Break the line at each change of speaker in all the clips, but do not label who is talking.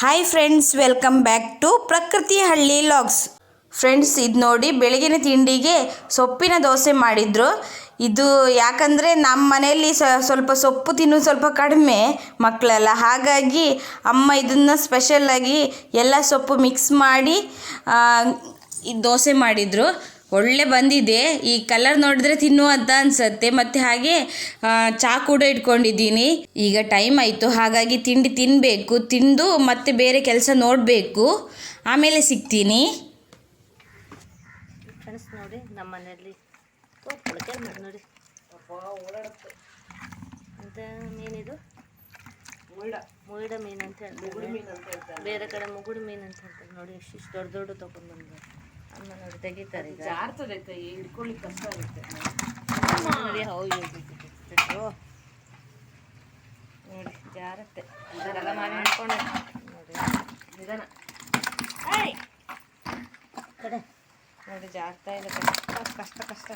Hi friends, welcome back to Prakruti Halli logs. Friends, ಇದು ನೋಡಿ, ಬೆಳಗಿನ ತಿಂಡಿಗೆ ಸೊಪ್ಪಿನ ದೋಸೆ ಮಾಡಿದ್ರು. ಇದು ಯಾಕಂದರೆ ನಮ್ಮ ಮನೆಯಲ್ಲಿ ಸ್ವಲ್ಪ ಸೊಪ್ಪು ತಿನ್ನೋದು ಸ್ವಲ್ಪ ಕಡಿಮೆ ಮಕ್ಕಳೆಲ್ಲ, ಹಾಗಾಗಿ ಅಮ್ಮ ಇದನ್ನು ಸ್ಪೆಷಲ್ಲಾಗಿ ಎಲ್ಲ ಸೊಪ್ಪು ಮಿಕ್ಸ್ ಮಾಡಿ ಈ ದೋಸೆ ಮಾಡಿದರು. ಒಳ್ಳೆ ಬಂದಿದೆ. ಈ ಕಲರ್ ನೋಡಿದ್ರೆ ತಿನ್ನುವಂತ ಅನ್ಸತ್ತೆ. ಮತ್ತು ಹಾಗೆ ಚಾ ಕೂಡ ಇಟ್ಕೊಂಡಿದ್ದೀನಿ. ಈಗ ಟೈಮ್ ಆಯಿತು, ಹಾಗಾಗಿ ತಿಂಡಿ ತಿನ್ನಬೇಕು. ತಿಂದು ಮತ್ತೆ ಬೇರೆ ಕೆಲಸ ನೋಡಬೇಕು. ಆಮೇಲೆ ಸಿಗ್ತೀನಿ.
ಫ್ರೆಂಡ್ಸ್ ನೋಡಿ, ನಮ್ಮ ಮನೆಯಲ್ಲಿ ನೋಡಿ ಅಂತ ಮೀನಿದು ಮುಯಿಡ ಮೀನು ಅಂತ ಹೇಳ್ತಾರೆ, ಬೇರೆ ಕಡೆ ಮುಗುಡು ಮೀನು ಅಂತ ಹೇಳ್ತಾರೆ. ನೋಡಿ ಇಷ್ಟು ದೊಡ್ಡ ದೊಡ್ಡ ತೊಗೊಂಡು ಬಂದು ಅಮ್ಮ ನೋಡಿ ತೆಗಿತಾರೆ. ಈಗ ಹಿಡ್ಕೊಳ್ಳಿಕ್ಕೆ ಕಷ್ಟ ಆಗುತ್ತೆ ನೋಡಿ. ಹೌದು ನೋಡಿ, ಜಾರತ್ತೆ ಇದೆಲ್ಲ ಮಾಡಿ ಹಿಡ್ಕೊಂಡು ನೋಡಿ ನಿಧಾನ ಕಡೆ ನೋಡಿ, ಜಾಗ್ತಾ ಇದೆ. ಕಷ್ಟ ಕಷ್ಟ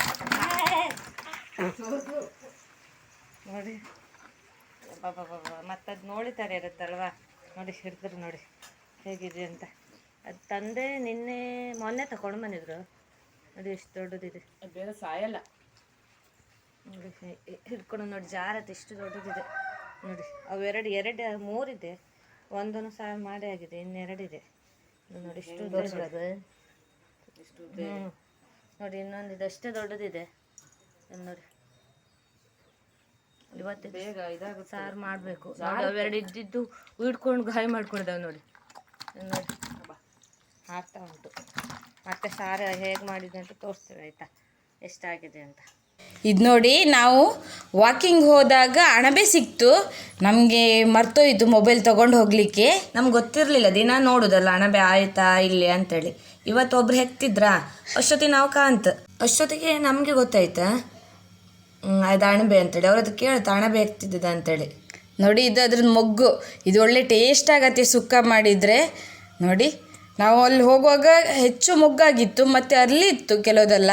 ನೋಡಿ. ಮತ್ತದು ನೋಡಿತಾರೆ ಇರುತ್ತಲ್ವಾ, ನೋಡಿ ಹಿಡಿದ್ರು ನೋಡಿ ಹೇಗಿದೆ ಅಂತ. ಅದು ತಂದೆ ಮೊನ್ನೆ ತಗೊಂಡು ಬಂದಿದ್ರು ನೋಡಿ, ಎಷ್ಟು ದೊಡ್ಡದಿದೆ. ಬೇರೆ ಸಾಯಲ್ಲ ನೋಡಿ, ಹಿಡ್ಕೊಂಡು ನೋಡಿ ಜಾರತ್ತೆ. ಇಷ್ಟು ದೊಡ್ಡದಿದೆ ನೋಡಿ. ಅವು ಎರಡು ಮೂರಿದೆ, ಒಂದನ್ನು ಸಾಯ ಮಾಡಿ ಆಗಿದೆ, ಇನ್ನೆರಡಿದೆ ನೋಡಿ. ಇಷ್ಟು ದೊಡ್ಡದು ನೋಡಿ. ಇನ್ನೊಂದಿದೆ, ಅಷ್ಟೇ ದೊಡ್ಡದಿದೆ ನೋಡಿ. ಇವತ್ತು ಬೇಗ ಇದಾಗುತ್ತೆ, ಸಾರು ಮಾಡಬೇಕು. ಅವೆರಡು ಇದ್ದಿದ್ದು ಹಿಡ್ಕೊಂಡು ಗಾಯ ಮಾಡ್ಕೊಂಡಿದ್ದಾವೆ ನೋಡಿ. ನೋಡಿ ಆಗ್ತಾ ಉಂಟು. ಮತ್ತೆ ಸಾರು ಹೇಗೆ ಮಾಡಿದೆ ಅಂತ ತೋರಿಸ್ತೇವೆ, ಆಯಿತಾ, ಎಷ್ಟಾಗಿದೆ ಅಂತ.
ಇದು ನೋಡಿ, ನಾವು ವಾಕಿಂಗ್ ಹೋದಾಗ ಅಣಬೆ ಸಿಕ್ತು. ನಮಗೆ ಮರ್ತೋಯ್ತು ಮೊಬೈಲ್ ತೊಗೊಂಡು ಹೋಗಲಿಕ್ಕೆ. ನಮ್ಗೆ ಗೊತ್ತಿರಲಿಲ್ಲ, ದಿನ ನೋಡೋದಲ್ಲ ಅಣಬೆ ಆಯಿತಾ ಇಲ್ಲಿ ಅಂತೇಳಿ. ಇವತ್ತೊಬ್ರು ಹೆಕ್ತಿದ್ರಾ, ಅಷ್ಟೊತ್ತಿಗೆ ನಾವು ಅಷ್ಟೊತ್ತಿಗೆ ನಮಗೆ ಗೊತ್ತಾಯ್ತಾ ಅದು ಅಣಬೆ ಅಂತೇಳಿ. ಅವ್ರದ್ದು ಕೇಳ್ತಾ ಅಣಬೆ ಹೆಕ್ತಿದ್ದ ಅಂತೇಳಿ. ನೋಡಿ, ಇದು ಅದ್ರದ್ದು ಮೊಗ್ಗು. ಇದು ಒಳ್ಳೆ ಟೇಸ್ಟ್ ಆಗತ್ತೆ ಸುಕ್ಕ ಮಾಡಿದರೆ. ನೋಡಿ, ನಾವು ಅಲ್ಲಿ ಹೋಗುವಾಗ ಹೆಚ್ಚು ಮೊಗ್ಗಾಗಿತ್ತು, ಮತ್ತು ಅರ್ಲಿ ಇತ್ತು ಕೆಲವುದೆಲ್ಲ.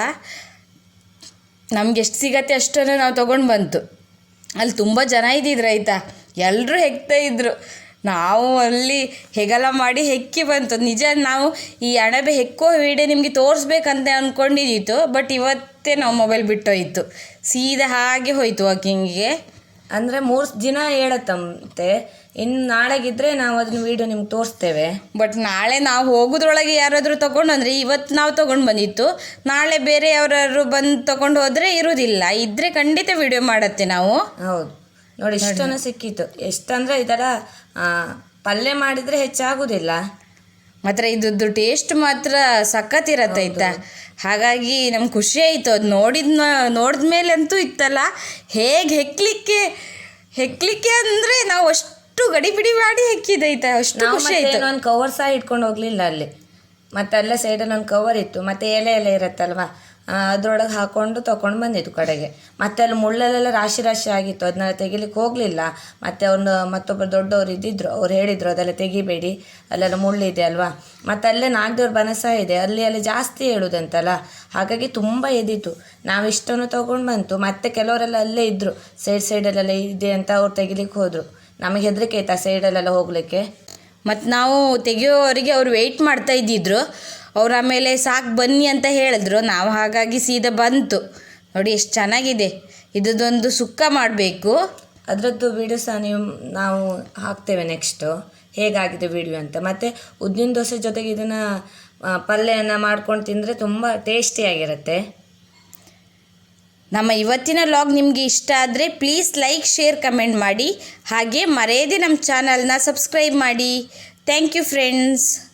ನಮ್ಗೆ ಎಷ್ಟು ಸಿಗತ್ತೆ ಅಷ್ಟನ್ನು ನಾವು ತೊಗೊಂಡು ಬಂತು. ಅಲ್ಲಿ ತುಂಬ ಜನ ಇದ್ದಿದ್ರು ಆಯಿತಾ, ಎಲ್ಲರೂ ಹೆಕ್ತಾ ಇದ್ರು. ನಾವು ಅಲ್ಲಿ ಹೆಗಲ ಮಾಡಿ ಹೆಕ್ಕಿ ಬಂತು. ನಿಜ, ನಾವು ಈ ಅಣಬೆ ಹೆಕ್ಕೋ ವಿಡಿಯೋ ನಿಮಗೆ ತೋರಿಸ್ಬೇಕಂತ ಅಂದ್ಕೊಂಡಿದ್ದಿತ್ತು. ಬಟ್ ಇವತ್ತೇ ನಾವು ಮೊಬೈಲ್ ಬಿಟ್ಟೋಯ್ತು, ಸೀದಾ ಹಾಗೆ ಹೋಯ್ತು ವಾಕಿಂಗಿಗೆ. ಅಂದರೆ 3 ದಿನ ಹೇಳತ್ತಂತೆ. ಇನ್ನು ನಾಳೆಗಿದ್ರೆ ನಾವು ಅದನ್ನ ವೀಡಿಯೋ ನಿಮ್ಗೆ ತೋರಿಸ್ತೇವೆ. ಬಟ್ ನಾಳೆ ನಾವು ಹೋಗೋದ್ರೊಳಗೆ ಯಾರಾದರೂ ತೊಗೊಂಡು ಅಂದರೆ, ಇವತ್ತು ನಾವು ತೊಗೊಂಡು ಬಂದಿತ್ತು, ನಾಳೆ ಬೇರೆ ಯಾರು ಬಂದು ತೊಗೊಂಡು ಹೋದರೆ ಇರೋದಿಲ್ಲ. ಇದ್ದರೆ ಖಂಡಿತ ವೀಡಿಯೋ ಮಾಡತ್ತೆ ನಾವು. ಹೌದು ನೋಡಿ, ಇಷ್ಟನ್ನು ಸಿಕ್ಕಿತ್ತು. ಎಷ್ಟಂದರೆ ಈ ಥರ ಪಲ್ಯ ಮಾಡಿದರೆ ಹೆಚ್ಚಾಗೋದಿಲ್ಲ. ಮಾತ್ರ ಇದ್ದು ಟೇಸ್ಟ್ ಮಾತ್ರ ಸಖತ್ತಿರತ್ತೆ ಆಯಿತಾ. ಹಾಗಾಗಿ ನಮ್ಗೆ ಖುಷಿ ಆಯಿತು. ಅದು ನೋಡಿದ ಮೇಲೆ ಅಂತೂ ಇತ್ತಲ್ಲ, ಹೇಗೆ ಹೆಕ್ಲಿಕ್ಕೆ ಅಂದರೆ ನಾವು ಅಷ್ಟು ಗಡಿಬಿಡಿ ಮಾಡಿ ಹೆಕ್ಕಿದೈತೆ, ಅಷ್ಟು ಖುಷಿ ಆಯಿತು. ಒಂದು ಕವರ್ ಸಹ ಇಟ್ಕೊಂಡು ಹೋಗಲಿಲ್ಲ ಅಲ್ಲಿ. ಮತ್ತು ಅಲ್ಲೇ ಸೈಡಲ್ಲಿ ಒಂದು ಕವರ್ ಇತ್ತು, ಮತ್ತು ಎಲೆ ಇರುತ್ತಲ್ವ, ಅದರೊಳಗೆ ಹಾಕ್ಕೊಂಡು ತೊಗೊಂಡು ಬಂದಿದ್ದು ಕಡೆಗೆ. ಮತ್ತು ಅಲ್ಲಿ ಮುಳ್ಳಲ್ಲೆಲ್ಲ ರಾಶಿ ಆಗಿತ್ತು, ಅದನ್ನ ತೆಗಿಲಿಕ್ಕೆ ಹೋಗಲಿಲ್ಲ. ಮತ್ತು ಮತ್ತೊಬ್ಬರು ದೊಡ್ಡವರು ಇದ್ದಿದ್ರು, ಅವ್ರು ಹೇಳಿದರು ಅದೆಲ್ಲ ತೆಗಿಬೇಡಿ, ಅಲ್ಲೆಲ್ಲ ಮುಳ್ಳಿದೆ ಅಲ್ವಾ. ಮತ್ತು ಅಲ್ಲೇ ನಾಗದೇವ್ರ ಬನಸ ಇದೆ, ಅಲ್ಲಿ ಜಾಸ್ತಿ ಹೇಳೋದಂತಲ್ಲ, ಹಾಗಾಗಿ ತುಂಬ ಎದ್ದಿತ್ತು. ನಾವು ಇಷ್ಟನ್ನು ತೊಗೊಂಡು ಬಂತು. ಮತ್ತು ಕೆಲವರೆಲ್ಲ ಅಲ್ಲೇ ಇದ್ದರು, ಸೈಡಲ್ಲೆಲ್ಲ ಇದೆ ಅಂತ ಅವ್ರು ತೆಗಿಲಿಕ್ಕೆ ಹೋದರು. ನಮಗೆ ಹೆದರಿಕೆ ಆಯ್ತು ಆ ಸೈಡಲ್ಲೆಲ್ಲ ಹೋಗಲಿಕ್ಕೆ. ಮತ್ತು ನಾವು ತೆಗಿಯೋವರಿಗೆ ಅವ್ರು ವೆಯ್ಟ್ ಮಾಡ್ತಾ ಇದ್ದಿದ್ರು. ಅವ್ರು ಆಮೇಲೆ ಸಾಕು ಬನ್ನಿ ಅಂತ ಹೇಳಿದ್ರು. ನಾವು ಹಾಗಾಗಿ ಸೀದಾ ಬಂತು. ನೋಡಿ ಎಷ್ಟು ಚೆನ್ನಾಗಿದೆ. ಇದೊಂದು ಸುಕ್ಕ ಮಾಡಬೇಕು. ಅದರದ್ದು ವೀಡಿಯೋ ಸಹ ನಾವು ಹಾಕ್ತೇವೆ ನೆಕ್ಸ್ಟು, ಹೇಗಾಗಿದೆ ವೀಡಿಯೋ ಅಂತ. ಮತ್ತು ಉದ್ದಿನ ದೋಸೆ ಜೊತೆಗೆ ಇದನ್ನು ಪಲ್ಯನ ಮಾಡ್ಕೊಂಡು ತಿಂದರೆ ತುಂಬ ಟೇಸ್ಟಿಯಾಗಿರುತ್ತೆ. ನಮ್ಮ ಇವತ್ತಿನ ಲಾಗ್ ನಿಮಗೆ ಇಷ್ಟ ಆದರೆ ಪ್ಲೀಸ್ ಲೈಕ್, ಶೇರ್, ಕಮೆಂಟ್ ಮಾಡಿ. ಹಾಗೆ ಮರೆಯದೆ ನಮ್ಮ ಚಾನಲ್ನ ಸಬ್ಸ್ಕ್ರೈಬ್ ಮಾಡಿ. Thank you friends.